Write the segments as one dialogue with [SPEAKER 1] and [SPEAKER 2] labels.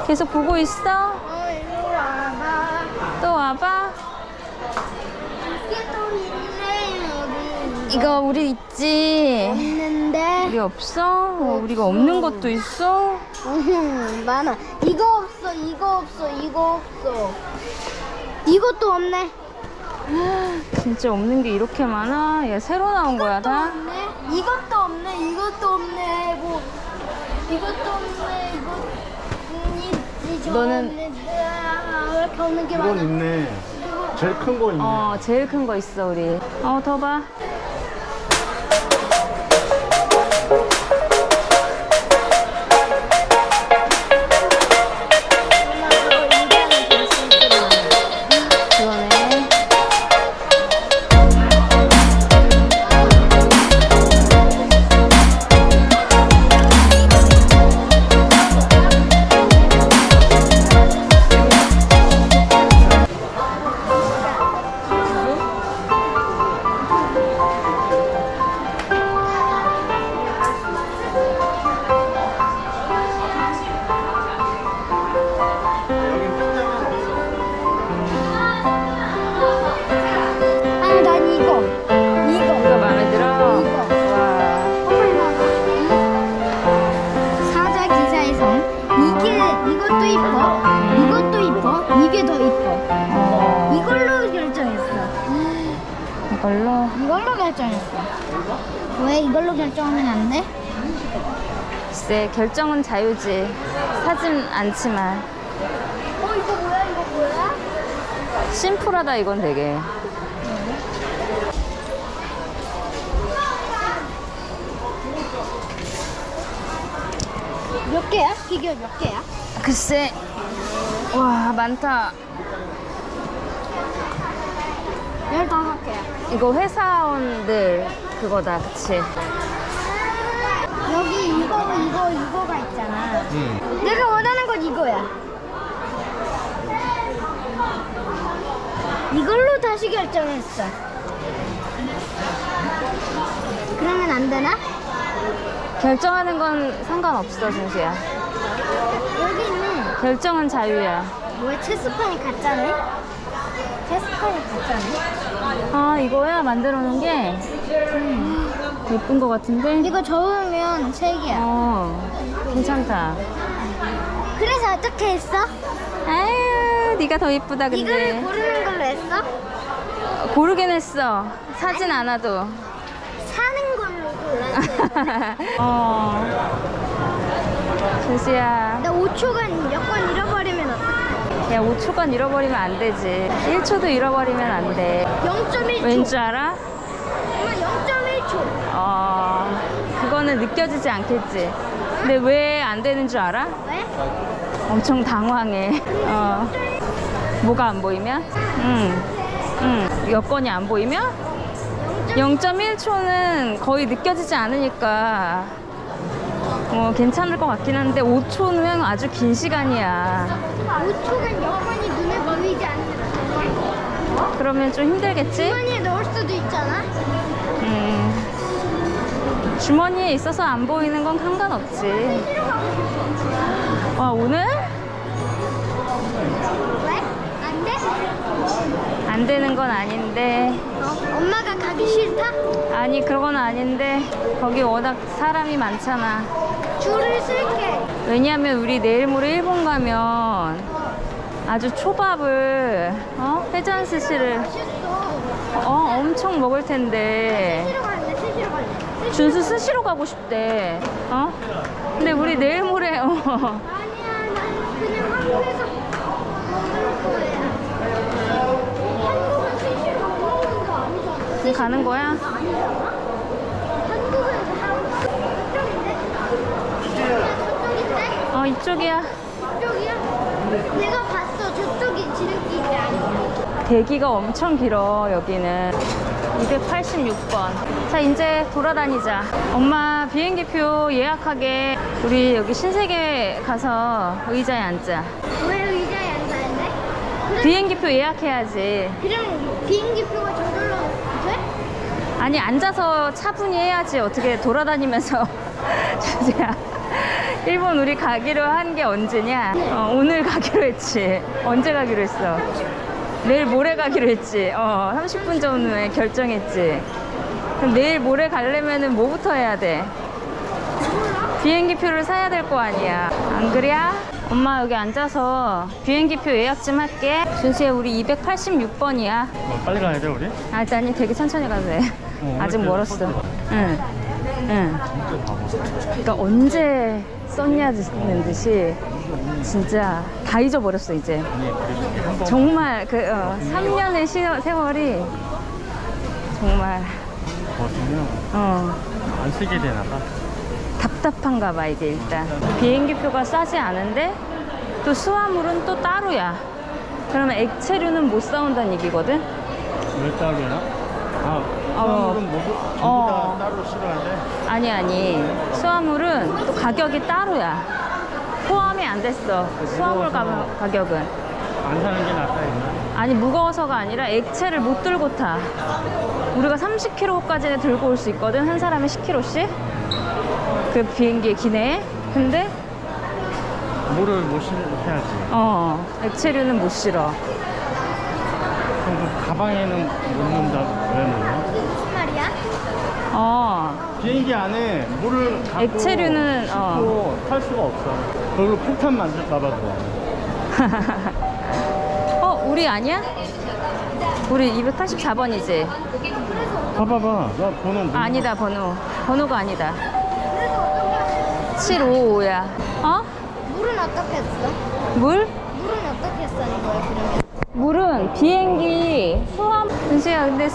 [SPEAKER 1] 계속 보고 있어?
[SPEAKER 2] 일로 와봐.
[SPEAKER 1] 또 와봐.
[SPEAKER 2] 이게 또 있네, 여기.
[SPEAKER 1] 이거 우리 있지?
[SPEAKER 2] 없는데.
[SPEAKER 1] 우리 없어? 우리가 없는 것도 있어?
[SPEAKER 2] 많아. 이거 없어, 이거 없어, 이거 없어. 이것도 없네.
[SPEAKER 1] 진짜 없는 게 이렇게 많아? 얘 새로 나온 거야 다?
[SPEAKER 2] 없네. 이것도 없네, 이것도 없네. 뭐 이것도 없네, 이거 있지.
[SPEAKER 1] 너는-
[SPEAKER 2] 왜 이렇게 없는 게
[SPEAKER 3] 이건
[SPEAKER 2] 많아?
[SPEAKER 3] 있네. 제일 큰 거 있네.
[SPEAKER 1] 제일 큰 거 있어 우리. 더 봐. 그러네.
[SPEAKER 2] 아, 난 이거.
[SPEAKER 1] 이거 마음에 들어? 와.
[SPEAKER 2] 사자 기사의 성. 이것도 이뻐. 이것도 이뻐. 이게 더 이뻐. 이걸로 결정했어.
[SPEAKER 1] 이걸로?
[SPEAKER 2] 이걸로 결정했어. 왜 이걸로 결정하면 안 돼?
[SPEAKER 1] 글쎄 결정은 자유지. 사진 않지만.
[SPEAKER 2] 이거 뭐야? 이거 뭐야?
[SPEAKER 1] 심플하다 이건 되게.
[SPEAKER 2] 몇 개야? 피규어 몇 개야?
[SPEAKER 1] 글쎄. 와 많다.
[SPEAKER 2] 15개야.
[SPEAKER 1] 이거 회사원들 그거다 그치?
[SPEAKER 2] 여기 이거가 있잖아.
[SPEAKER 3] 응.
[SPEAKER 2] 내가 원하는 건 이거야. 이걸로 다시 결정했어. 그러면 안 되나?
[SPEAKER 1] 결정하는 건 상관없어 준수야.
[SPEAKER 2] 여기 있네.
[SPEAKER 1] 결정은 자유야.
[SPEAKER 2] 뭐야, 체스판이 가짜네? 체스판이 가짜네?
[SPEAKER 1] 이거야 만들어 놓은 게 예쁜 거 같은데?
[SPEAKER 2] 이거 접으면 3개야.
[SPEAKER 1] 괜찮다.
[SPEAKER 2] 그래서 어떻게 했어?
[SPEAKER 1] 아유 네가 더 예쁘다
[SPEAKER 2] 이거를
[SPEAKER 1] 근데.
[SPEAKER 2] 고르는 걸로 했어?
[SPEAKER 1] 고르긴 했어. 사진 않아도.
[SPEAKER 2] 사는 걸로 골랐어.
[SPEAKER 1] 준수야.
[SPEAKER 2] 나 5초간 여권 잃어버리면 어떡해?
[SPEAKER 1] 야 5초간 잃어버리면 안 되지. 1초도 잃어버리면 안 돼.
[SPEAKER 2] 0.1초.
[SPEAKER 1] 왠지 알아?
[SPEAKER 2] 엄마 0.1초.
[SPEAKER 1] 그거는 느껴지지 않겠지. 근데 왜 안 되는 줄 알아?
[SPEAKER 2] 왜?
[SPEAKER 1] 엄청 당황해. 뭐가 안 보이면? 여건이 안 보이면? 0.1초는 거의 느껴지지 않으니까 괜찮을 것 같긴 한데 5초는 아주 긴 시간이야.
[SPEAKER 2] 5초간 여권이 눈에 보이지 않는다.
[SPEAKER 1] 그러면 좀 힘들겠지?
[SPEAKER 2] 주머니에 넣을 수도 있잖아.
[SPEAKER 1] 주머니에 있어서 안 보이는 건 상관없지. 오늘?
[SPEAKER 2] 왜? 안 돼?
[SPEAKER 1] 안 되는 건 아닌데.
[SPEAKER 2] 엄마가 가기 싫다?
[SPEAKER 1] 아니 그런 건 아닌데 거기 워낙 사람이 많잖아.
[SPEAKER 2] 줄을 쓸게.
[SPEAKER 1] 왜냐면 우리 내일 모레 일본 가면 아주 초밥을 회전 스시를
[SPEAKER 2] 맛있어.
[SPEAKER 1] 엄청 먹을 텐데.
[SPEAKER 2] 스시로 갈래? 스시로 갈래?
[SPEAKER 1] 준수 스시로 가고 싶대. 근데 우리 내일 모레
[SPEAKER 2] 아니야, 난 그냥 한국에서 먹을 거야. 한국은 스시로 안 먹는 거 아니잖아.
[SPEAKER 1] 지금 가는 거야?
[SPEAKER 2] 아니잖아? 한국은 저쪽인데?
[SPEAKER 1] 이쪽이야.
[SPEAKER 2] 저쪽이야? 내가 봤어. 저쪽이 지름길이 아니야.
[SPEAKER 1] 대기가 엄청 길어 여기는. 286번. 자 이제 돌아다니자. 엄마 비행기표 예약하게. 우리 여기 신세계 가서 의자에 앉자.
[SPEAKER 2] 왜 의자에 앉아있네?
[SPEAKER 1] 비행기표 예약해야지.
[SPEAKER 2] 그럼 비행기표가 저절로 돼?
[SPEAKER 1] 아니 앉아서 차분히 해야지. 어떻게 돌아다니면서 주제야. 일본 우리 가기로 한 게 언제냐? 오늘 가기로 했지. 언제 가기로 했어? 내일 모레 가기로 했지. 30분 전에 결정했지. 그럼 내일 모레 가려면은 뭐부터 해야 돼? 비행기 표를 사야 될 거 아니야. 안 그래? 엄마 여기 앉아서 비행기 표 예약 좀 할게. 준수야, 우리 286번이야.
[SPEAKER 3] 빨리 가야 돼 우리?
[SPEAKER 1] 아니, 되게 천천히 가도 돼. 아직 멀었어. 응. 그러니까 언제 썼냐는 듯이 진짜 다 잊어버렸어 이제. 정말 그 3년의 세월이 정말
[SPEAKER 3] 안 쓰게 되나 봐.
[SPEAKER 1] 답답한가 봐 이게. 일단 비행기 표가 싸지 않은데 또 수화물은 또 따로야. 그러면 액체류는 못 사온다는 얘기거든.
[SPEAKER 3] 왜 따로야? 수화물은 모두 전부 다 따로 싫어하는데.
[SPEAKER 1] 아니 수화물은 또 가격이 따로야. 포함이 안 됐어. 수화물 가격은.
[SPEAKER 3] 안 사는 게 낫다 했나?
[SPEAKER 1] 아니, 무거워서가 아니라 액체를 못 들고 타. 우리가 30kg까지는 들고 올 수 있거든, 한 사람에 10kg씩. 그 비행기의 기내에. 근데
[SPEAKER 3] 물을 못 실어야지.
[SPEAKER 1] 액체류는 못 실어.
[SPEAKER 3] 그럼 그 가방에는 못 넣는다. 왜 못 넣어?
[SPEAKER 2] 무슨 말이야?
[SPEAKER 3] 비행기 안에 물을 갖고
[SPEAKER 1] 액체류는
[SPEAKER 3] 싣고 탈 수가 없어. 그리고 폭탄 만들까 봐 그거.
[SPEAKER 1] 우리 아니야? 우리 284번이지?
[SPEAKER 3] 봐봐봐. 나 번호 뭐.
[SPEAKER 1] 아니다, 번호가 아니다. 755야.
[SPEAKER 2] 물은 어떻게 했어?
[SPEAKER 1] 물?
[SPEAKER 2] 물은 어떻게 쓰는 거야 그러면?
[SPEAKER 1] 물은 비행기 수압. 은수야, 근데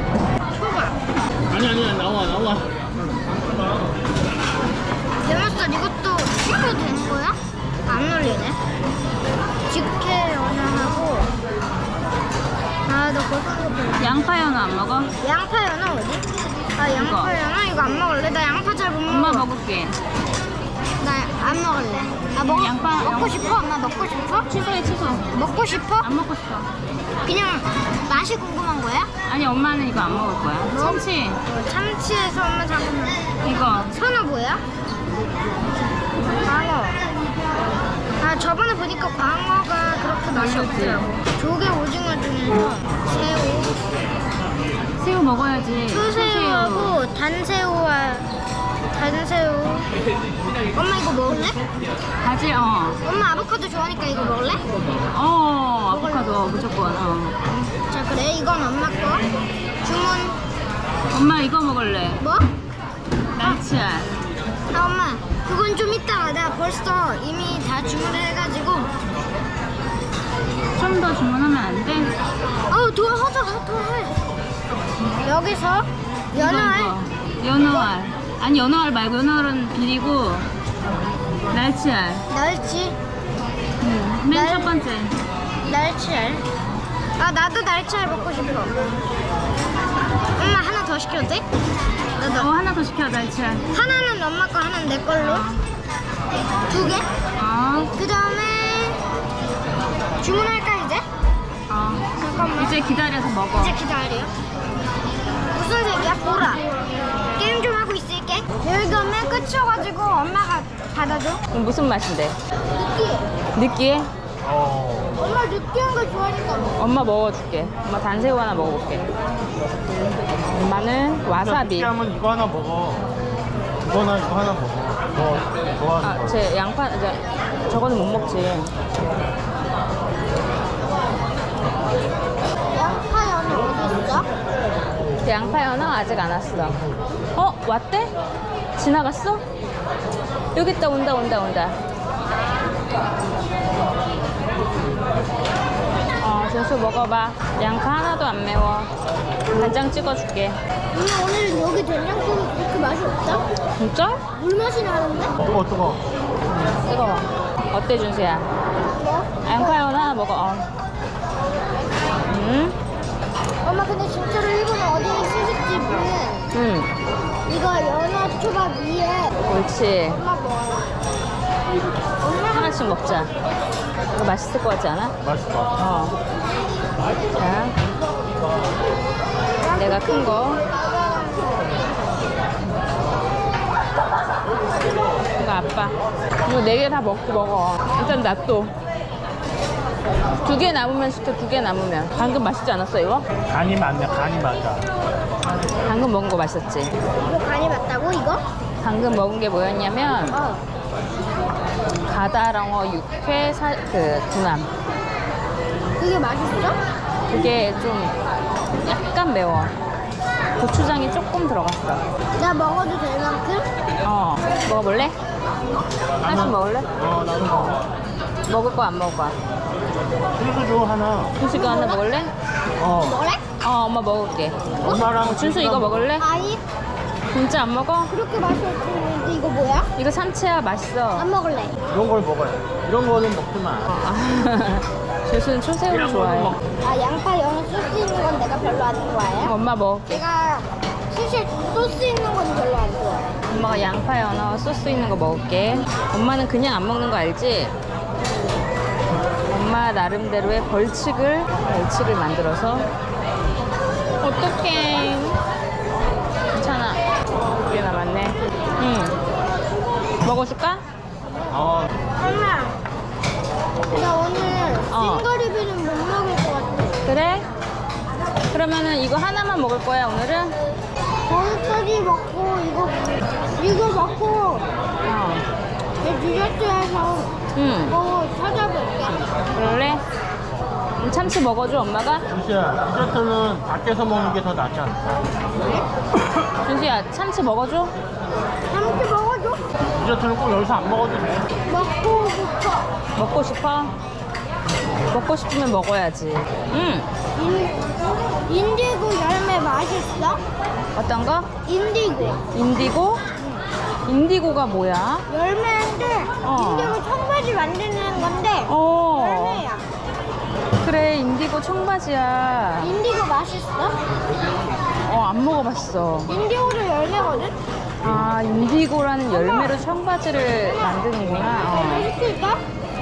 [SPEAKER 3] 아니야 나와.
[SPEAKER 2] 대마살 이것도 시켜도 되는 거야? 안 눌리네. 직회 연어하고 너 고소한
[SPEAKER 1] 양파 연어 안 먹어?
[SPEAKER 2] 양파 연어 어디? 양파 연어 이거 안 먹을래? 나 양파 잘 못 먹어.
[SPEAKER 1] 엄마 먹을게.
[SPEAKER 2] 나 안 먹을래.
[SPEAKER 1] 양파
[SPEAKER 2] 먹고 싶어? 엄마 먹고 싶어?
[SPEAKER 1] 취소해.
[SPEAKER 2] 먹고 싶어?
[SPEAKER 1] 안 먹고 싶어.
[SPEAKER 2] 그냥 맛이 궁금한 거야?
[SPEAKER 1] 아니, 엄마는 이거 안 먹을 거야. 참치.
[SPEAKER 2] 참치에서 엄마 잠깐만.
[SPEAKER 1] 이거.
[SPEAKER 2] 선어 뭐야? 광어. 저번에 보니까 광어가 그렇게 맛이 없더라고. 조개 오징어 중에서
[SPEAKER 1] 새우 먹어야지.
[SPEAKER 2] 초새우하고 단새우. 엄마 이거 먹을래?
[SPEAKER 1] 바질.
[SPEAKER 2] 엄마 아보카도 좋아하니까 이거 먹을래?
[SPEAKER 1] 아보카도 무조건.
[SPEAKER 2] 자 그래 이건 엄마 거. 주문.
[SPEAKER 1] 엄마 이거 먹을래.
[SPEAKER 2] 뭐?
[SPEAKER 1] 날치알.
[SPEAKER 2] 엄마 그건 좀 이따가 내가 벌써 이미 다 주문을 해가지고.
[SPEAKER 1] 좀 더 주문하면 안 돼?
[SPEAKER 2] 하자. 여기서 연어알.
[SPEAKER 1] 연어알. 아니, 연어알 말고 연어알은 비리고 날치알.
[SPEAKER 2] 날치.
[SPEAKER 1] 맨 첫 번째.
[SPEAKER 2] 날치알. 나도 날치알 먹고 싶어. 엄마 하나 더 시켜도 돼? 나도.
[SPEAKER 1] 하나 더 시켜, 날치알.
[SPEAKER 2] 하나는 엄마 거, 하나는 내 걸로. 2개? 그 다음에 주문할까 이제? 잠깐만.
[SPEAKER 1] 이제 기다려서 먹어.
[SPEAKER 2] 이제 기다려. 무슨 색이야? 보라. 게임 좀 하고 있을게. 여기가 맨 끝이어가지고 엄마가 받아줘.
[SPEAKER 1] 그럼 무슨 맛인데?
[SPEAKER 2] 느끼해.
[SPEAKER 1] 느끼해?
[SPEAKER 2] 엄마 느끼한 거 좋아하니까.
[SPEAKER 1] 엄마 먹어줄게. 엄마 단새우 하나 먹어볼게. 엄마는 와사비.
[SPEAKER 3] 하면 이거 하나 먹어. 이거나 이거 하나 먹어. 너 좋아하는 거.
[SPEAKER 1] 제 양파, 저거는 못 먹지.
[SPEAKER 2] 양파 연어 어디 있어?
[SPEAKER 1] 양파 연어 아직 안 왔어. 왔대? 지나갔어? 여기 있다. 온다. 준수 먹어봐. 양파 하나도 안 매워. 간장 찍어줄게.
[SPEAKER 2] 엄마 오늘 여기 된장국이 그렇게 맛이 없다?
[SPEAKER 1] 진짜?
[SPEAKER 2] 물 맛이 나는데?
[SPEAKER 3] 뜨거워.
[SPEAKER 1] 뜨거워. 어때, 준수야?
[SPEAKER 2] 뭐?
[SPEAKER 1] 양파 연어 하나 먹어.
[SPEAKER 2] 엄마 근데 진짜로 일본 어디 스시집은 이거 연어 초밥 위에
[SPEAKER 1] 옳지.
[SPEAKER 2] 엄마 먹어. 엄마
[SPEAKER 1] 하나씩 먹자. 이거 맛있을 것 같지 않아?
[SPEAKER 3] 맛있어.
[SPEAKER 1] 자, 내가 큰 거. 이거 아빠. 이거 4개 다 먹어. 일단 낫또. 2개 남으면 시켜, 2개 남으면. 방금 맛있지 않았어, 이거?
[SPEAKER 3] 간이 맞네, 간이 맞아.
[SPEAKER 1] 방금 먹은 거 맛있었지?
[SPEAKER 2] 이거 간이 맞다고 이거?
[SPEAKER 1] 방금 먹은 게 뭐였냐면, 바다랑어 육회 두남.
[SPEAKER 2] 그게 맛있어?
[SPEAKER 1] 그게 좀 약간 매워. 고추장이 조금 들어갔어.
[SPEAKER 2] 나 먹어도 될 만큼?
[SPEAKER 1] 먹어볼래? 하나씩 먹을래?
[SPEAKER 3] 나도 먹어.
[SPEAKER 1] 먹을 거야, 안 먹을 거야?
[SPEAKER 3] 준수 줘, 하나.
[SPEAKER 1] 준수 이거 하나 먹을래?
[SPEAKER 2] 먹을래?
[SPEAKER 1] 엄마 먹을게.
[SPEAKER 3] 엄마랑
[SPEAKER 1] 준수 이거 먹을래?
[SPEAKER 2] 아니
[SPEAKER 1] 진짜 안 먹어?
[SPEAKER 2] 그렇게 맛이 없는데 이거 뭐야?
[SPEAKER 1] 이거 삼치야, 맛있어.
[SPEAKER 2] 안 먹을래.
[SPEAKER 3] 이런 걸 먹어야 돼. 이런 거는 먹지 마.
[SPEAKER 1] 준수는 초새우를
[SPEAKER 3] 이런 거는
[SPEAKER 1] 좋아해.
[SPEAKER 2] 아 양파 연어 소스 있는 건 내가 별로 안 좋아해.
[SPEAKER 1] 엄마 먹을게.
[SPEAKER 2] 내가 사실 소스 있는 건 별로 안 좋아해.
[SPEAKER 1] 엄마가 양파 연어 소스 있는 거 먹을게. 엄마는 그냥 안 먹는 거 알지? 엄마 나름대로의 벌칙을 만들어서. 어떡해. 괜찮아. 2개 남았네. 먹어줄까?
[SPEAKER 3] 어,
[SPEAKER 2] 엄마 나 오늘 생가리비는 못 먹을 것 같아.
[SPEAKER 1] 그래? 그러면은 이거 하나만 먹을 거야, 오늘은?
[SPEAKER 2] 거기까지 먹고 이거 먹고 내 디저트에서 뭐 찾아볼게.
[SPEAKER 1] 그럴래? 참치 먹어줘, 엄마가?
[SPEAKER 3] 준수야, 디저트는 밖에서 먹는 게 더 낫지 않을까?
[SPEAKER 1] 준수야, 참치 먹어줘?
[SPEAKER 2] 참치 먹어줘.
[SPEAKER 3] 디저트는 꼭 여기서 안 먹어도 돼.
[SPEAKER 2] 먹고 싶어.
[SPEAKER 1] 먹고 싶어? 먹고 싶으면 먹어야지.
[SPEAKER 2] 인디고 열매 맛있어?
[SPEAKER 1] 어떤 거?
[SPEAKER 2] 인디고
[SPEAKER 1] 인디고? 인디고가 뭐야?
[SPEAKER 2] 열매인데 인디고 청바지 만드는 건데 열매야.
[SPEAKER 1] 그래, 인디고 청바지야.
[SPEAKER 2] 인디고 맛있어?
[SPEAKER 1] 안 먹어봤어.
[SPEAKER 2] 인디고도 열매거든?
[SPEAKER 1] 아, 인디고라는 열매로 청바지를 만드는구나.
[SPEAKER 2] 이거 시킬까?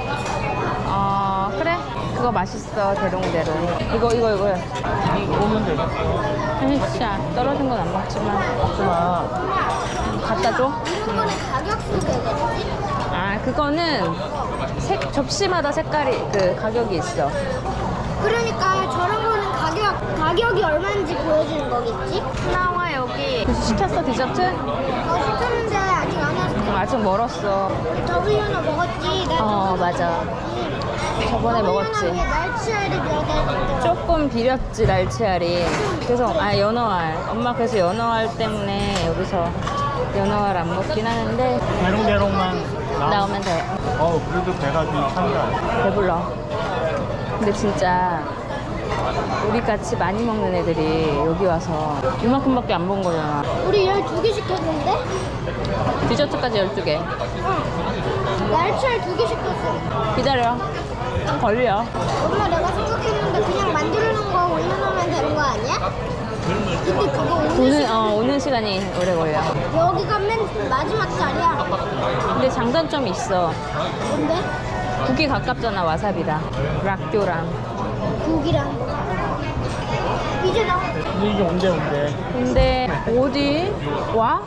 [SPEAKER 1] 그래. 그거 맛있어, 대롱대롱. 이거.
[SPEAKER 3] 오면 되겠어.
[SPEAKER 1] 진짜 떨어진 건 안 먹지만.
[SPEAKER 3] 먹지 마.
[SPEAKER 1] 갖다 줘?
[SPEAKER 2] 이런 거는 가격 쓰겠지?
[SPEAKER 1] 그거는 접시마다 색깔이 가격이 있어.
[SPEAKER 2] 그러니까 저런 거는 가격이 얼마인지 보여주는 거겠지?
[SPEAKER 1] 나와 여기. 시켰어, 디저트?
[SPEAKER 2] 시켰는데 아직 안 왔어.
[SPEAKER 1] 아직 멀었어.
[SPEAKER 2] 더블연어 먹었지? 나
[SPEAKER 1] 맞아. 저번에 먹었지.
[SPEAKER 2] 날치알이 몇 알?
[SPEAKER 1] 조금 비렸지, 날치알이. 그래서 연어알. 엄마 그래서 연어알 때문에 여기서 연어알 안 먹긴 하는데
[SPEAKER 3] 대롱대롱만
[SPEAKER 1] 나오면 돼.
[SPEAKER 3] 그래도 배가 좀 찬다.
[SPEAKER 1] 배불러. 근데 진짜 우리 같이 많이 먹는 애들이 여기 와서 이만큼밖에 안 먹은 거잖아.
[SPEAKER 2] 우리 12개 시켰는데?
[SPEAKER 1] 디저트까지 12개.
[SPEAKER 2] 날치알 2개 시켰어.
[SPEAKER 1] 기다려. 좀 걸려.
[SPEAKER 2] 엄마 내가 생각했는데 그냥 만들어놓은 거 올려놓으면 되는 거 아니야? 근데 그거
[SPEAKER 1] 오는 시간이 오래 걸려.
[SPEAKER 2] 여기가 맨 마지막 자리야.
[SPEAKER 1] 근데 장단점이 있어.
[SPEAKER 2] 뭔데?
[SPEAKER 1] 국이 가깝잖아, 와사비랑. 락교랑.
[SPEAKER 2] 국이랑. 이제 나
[SPEAKER 3] 근데 이게 온대.
[SPEAKER 1] 근데 어디? 와?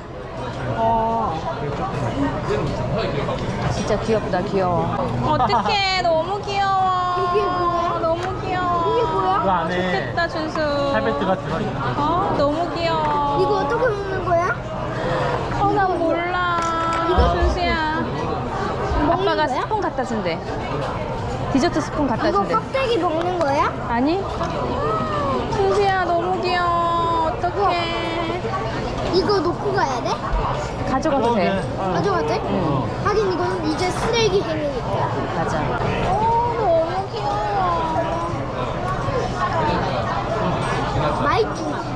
[SPEAKER 1] 진짜 귀엽다, 귀여워. 어떡해, 너무 귀여워.
[SPEAKER 2] 이게 뭐야?
[SPEAKER 1] 너무 귀여워.
[SPEAKER 2] 이게 뭐야?
[SPEAKER 3] 그 안에
[SPEAKER 1] 좋겠다, 준수.
[SPEAKER 3] 샤베트가 들어있는 거지.
[SPEAKER 1] 너무 귀여워.
[SPEAKER 2] 이거 어떻게 먹는 거야?
[SPEAKER 1] 난 몰라.
[SPEAKER 2] 이거
[SPEAKER 1] 준수야. 아빠가
[SPEAKER 2] 거야?
[SPEAKER 1] 스푼 갖다 준대. 디저트 스푼 갖다
[SPEAKER 2] 이거
[SPEAKER 1] 준대.
[SPEAKER 2] 껍데기 먹는 거야?
[SPEAKER 1] 아니? 준수야, 너무 귀여워. 어떡해.
[SPEAKER 2] 이거 놓고 가야 돼?
[SPEAKER 1] 가져가도 돼.
[SPEAKER 2] 가져가도 돼?
[SPEAKER 1] 응.
[SPEAKER 2] 하긴 이건 이제 쓰레기 행위니까.
[SPEAKER 1] 맞아.
[SPEAKER 2] 너무 귀여워. 맛있구나.